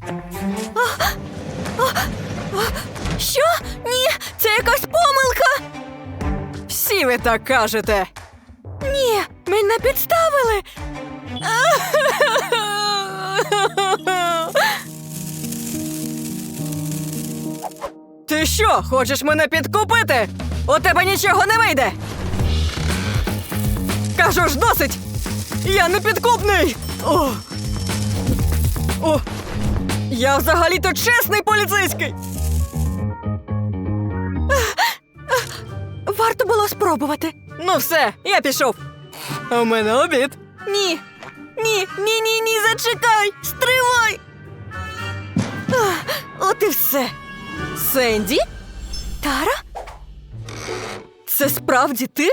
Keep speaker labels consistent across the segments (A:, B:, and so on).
A: Що? Ні, це якась помилка.
B: Всі ви так кажете.
A: Ні, мене підставили.
B: Ти що, хочеш мене підкупити? У тебе нічого не вийде. Кажу ж, досить. Я не підкупний. О, я взагалі-то чесний поліцейський.
A: Варто було спробувати.
B: Ну все, я пішов. У мене обід.
A: Ні. Ні, зачекай! Стривай! От і все.
B: Сенді?
A: Тара?
B: Це справді ти?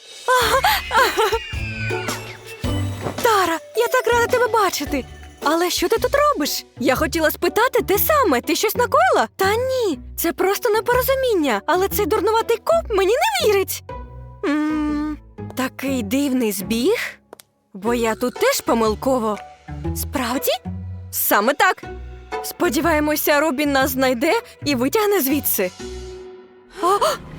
A: Тара, я так рада тебе бачити. Але що ти тут робиш? Я хотіла спитати те саме. Ти щось накоїла? Та ні, це просто непорозуміння. Але цей дурнуватий коп мені не вірить. Такий дивний збіг. Бо я тут теж помилково. Справді? Саме так. Сподіваємося, Робін нас знайде і витягне звідси. О!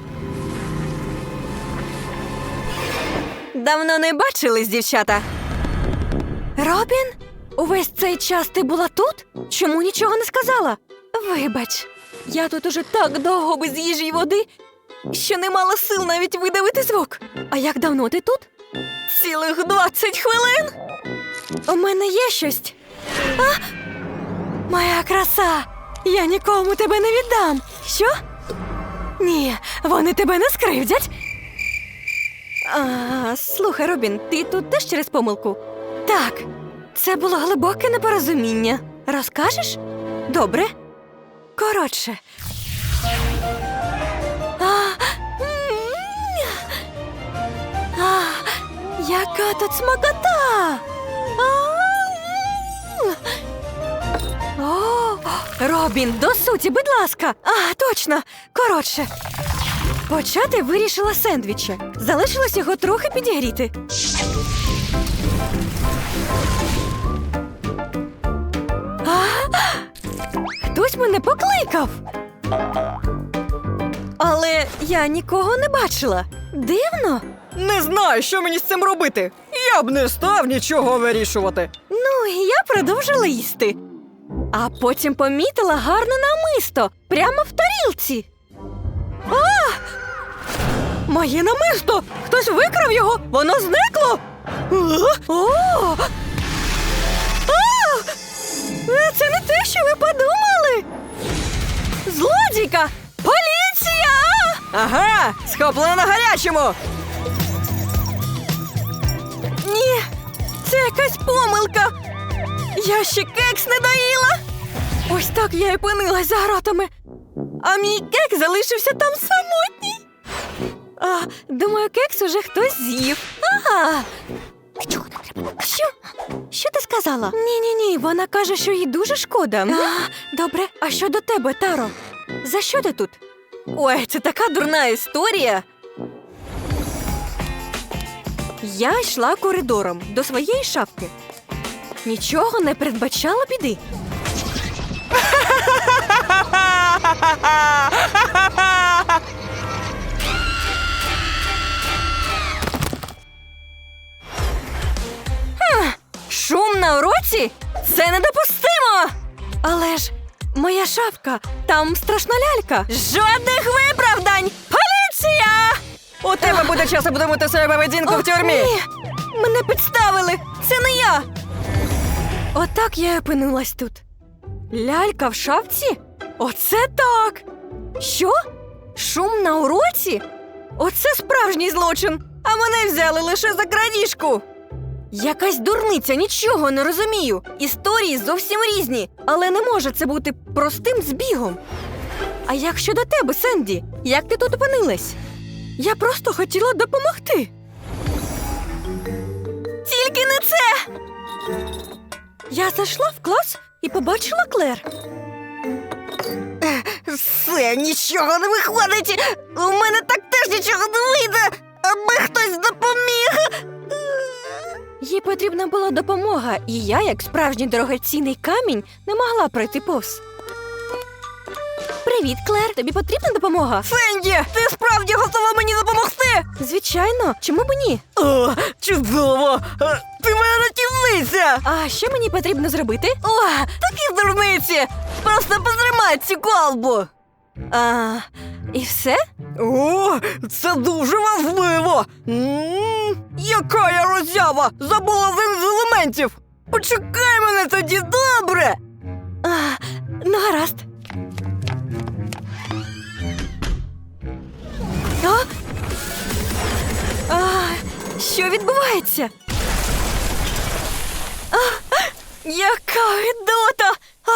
A: Давно не бачились, дівчата. Робін? Увесь цей час ти була тут? Чому нічого не сказала? Вибач, я тут уже так довго без їжі й води, що не мала сил навіть видавити звук. А як давно ти тут? Цілих 20 хвилин? У мене є щось. Моя краса! Я нікому тебе не віддам. Що? Ні, вони тебе не скривдять. Слухай, Робін, ти тут теж через помилку? Так, це було глибоке непорозуміння. Розкажеш? Добре. Коротше. Яка тут смакота! О, Робін, до суті, будь ласка. Точно. Коротше. Почати вирішила з сендвіча. Залишилось його трохи підігріти. Хтось мене покликав. Але я нікого не бачила. Дивно.
B: Не знаю, що мені з цим робити. Я б не став нічого вирішувати.
A: Ну, і я продовжила їсти. А потім помітила гарне намисто. Прямо в тарілці. Моє намисто! Хтось викрав його! Воно зникло! Це не те, що ви подумали! Злодійка! Поліція!
B: Ага, схоплена на гарячому!
A: Ні, це якась помилка! Я ще кекс не доїла! Ось так я і опинилась за гратами. А мій кекс залишився там самотній. Думаю, кекс уже хтось з'їв. Що? Що ти сказала? Ні, вона каже, що їй дуже шкода. Добре, а що до тебе, Таро? За що ти тут? Ой, це така дурна історія. Я йшла коридором до своєї шафки. Нічого не передбачала біди. Шум на уроці? Це недопустимо! Але ж моя шафка, там страшна лялька. Жодних виправдань! Поліція!
B: У тебе буде час обдумати свою поведінку в тюрмі.
A: Ні, мене підставили. Це не я. Отак я й опинилась тут. Лялька в шафці? Оце так! Що? Шум на уроці? Оце справжній злочин. А мене взяли лише за крадіжку. Якась дурниця, нічого не розумію. Історії зовсім різні, але не може це бути простим збігом. А як щодо тебе, Сенді? Як ти тут опинилась? Я просто хотіла допомогти. Тільки не це! Я зайшла в клас і побачила Клер. Все, нічого не виходить. У мене так теж нічого не вийде, аби хтось допоміг. Їй потрібна була допомога, і я, як справжній дорогоцінний камінь, не могла пройти повз. Привіт, Клер, тобі потрібна допомога?
B: Сенді, ти справді готова мені допомогти?
A: Звичайно, чому б ні?
B: О, чудово! Ти моя рятівниця!
A: А що мені потрібно зробити?
B: О, такі дурниці! Просто потримай цю колбу!
A: І все?
B: О, це дуже важливо! Яка я роззява! Забула один з елементів! Почекай мене тоді, добре!
A: Ну, гаразд. Що відбувається? Яка гидота!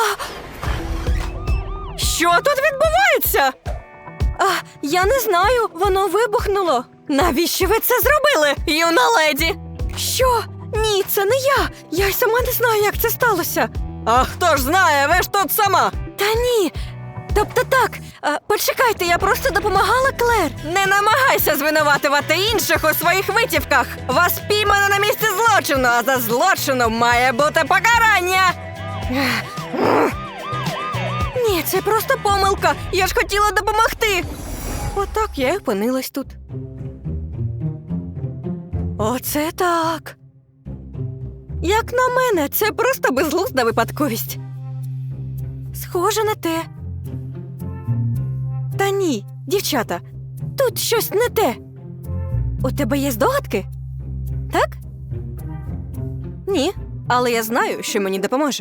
B: Що тут відбувається?
A: Я не знаю, воно вибухнуло.
B: Навіщо ви це зробили, юна леді?
A: Що? Ні, це не я. Я й сама не знаю, як це сталося.
B: А хто ж знає, ви ж тут сама!
A: Та ні. Тобто так, почекайте, я просто допомагала Клер.
B: Не намагайся звинуватувати інших у своїх витівках! Вас піймано на місці злочину, а за злочином має бути покарання!
A: Ні, це просто помилка. Я ж хотіла допомогти. Отак я й опинилась тут. Оце так. Як на мене, це просто безглузда випадковість. Схоже на те. Та ні, дівчата, тут щось не те. У тебе є здогадки? Так? Ні, але я знаю, що мені допоможе.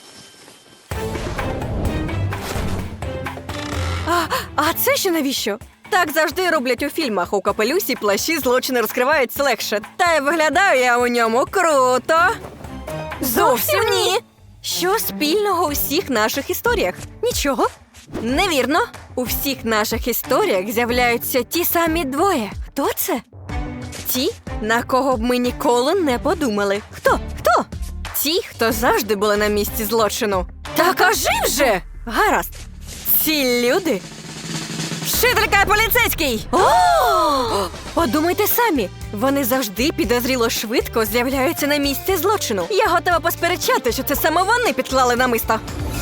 A: А це ще навіщо?
B: Так завжди роблять у фільмах. У капелюсі плащі злочини розкриваються легше. Та й виглядаю я у ньому круто.
A: Зовсім ні. Що спільного у всіх наших історіях? Нічого. Невірно. У всіх наших історіях з'являються ті самі двоє. Хто це? Ті, на кого б ми ніколи не подумали. Хто? Хто?
B: Ті, хто завжди були на місці злочину.
A: Та кажи вже! Гаразд. Ці люди.
B: Вчителька і поліцейський!
A: О! Подумайте самі, вони завжди підозріло швидко з'являються на місці злочину.
B: Я готова посперечати, що це саме вони підклали намисто.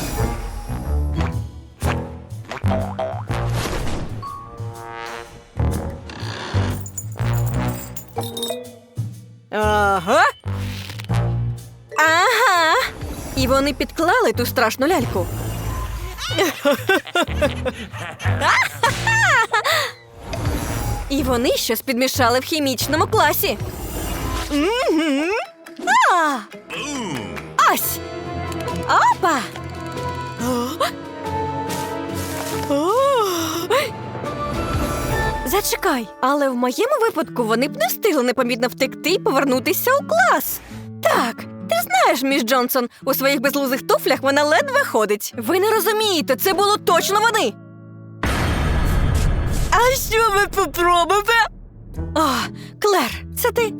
B: Ага.
A: Ага. І вони підклали ту страшну ляльку. І вони щось підмішали в хімічному класі. Ось! Опа! Зачекай, але в моєму випадку вони б не встигли непомітно втекти і повернутися у клас. Так, ти знаєш, міс Джонсон, у своїх безлузих туфлях вона ледве ходить. Ви не розумієте, це було точно вони.
B: А що ви тут робите?
A: О, Клер, це ти?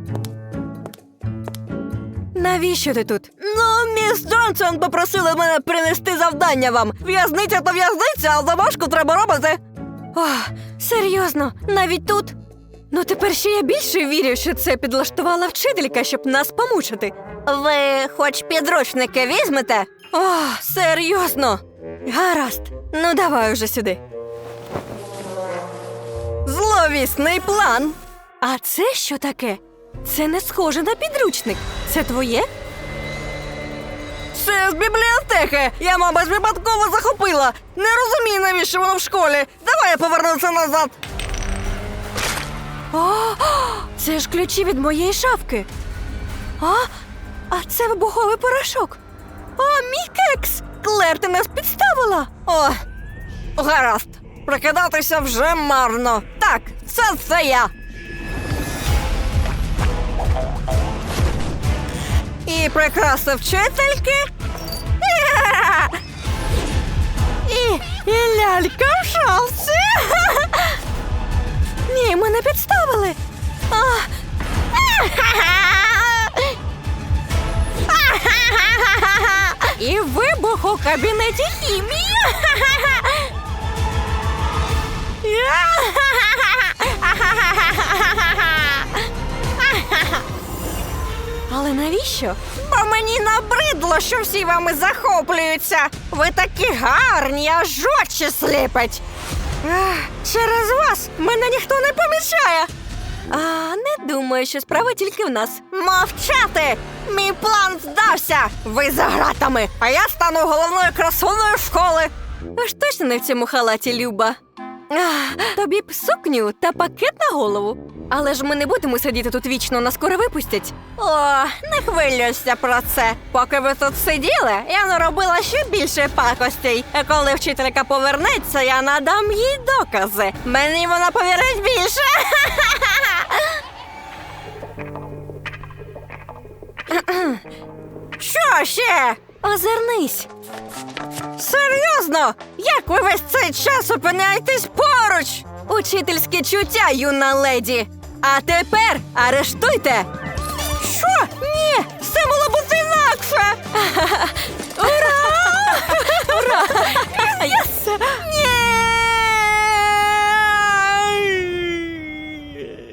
A: Навіщо ти тут?
B: Ну, міс Джонсон попросила мене принести завдання вам. В'язниця то в'язниця, а домашку треба робити.
A: О, серйозно, навіть тут? Ну тепер ще я більше вірю, що це підлаштувала вчителька, щоб нас помучити.
B: Ви хоч підручники візьмете?
A: О, серйозно? Гаразд, ну давай уже сюди.
B: Зловісний план.
A: А це що таке? Це не схоже на підручник. Це твоє?
B: Це з бібліотеки. Я, мабуть, випадково захопила. Не розумію, навіщо воно в школі. Давай я повернуся назад.
A: О, це ж ключі від моєї шафки. А це вибуховий порошок. О, мій кекс! Клер, ти нас підставила.
B: О, гаразд. Прикидатися вже марно. Так, це я. І прикраси вчительки. І лялька в шапці.
A: Ні, мене підставили. І вибух у кабінеті хімії. Але навіщо?
B: Бо мені набридло, що всі вами захоплюються. Ви такі гарні, аж очі сліпить. Через вас мене ніхто не помічає.
A: А не думаю, що справа тільки в нас.
B: Мовчати! Мій план вдався! Ви за гратами, а я стану головною красуною школи.
A: Аж точно не в цьому халаті, Люба. Тобі б сукню та пакет на голову. Але ж ми не будемо сидіти тут вічно, нас скоро випустять.
B: О, не хвилюйся про це. Поки ви тут сиділи, я наробила ще більше пакостей. І коли вчителька повернеться, я надам їй докази. Мені вона повірить більше. Що ще?
A: Озирнись.
B: Серйозно? Як ви весь цей час опиняєтесь поруч?
A: Учительське чуття, юна леді. А тепер арештуйте.
B: Що? Ні, все було бути інакше.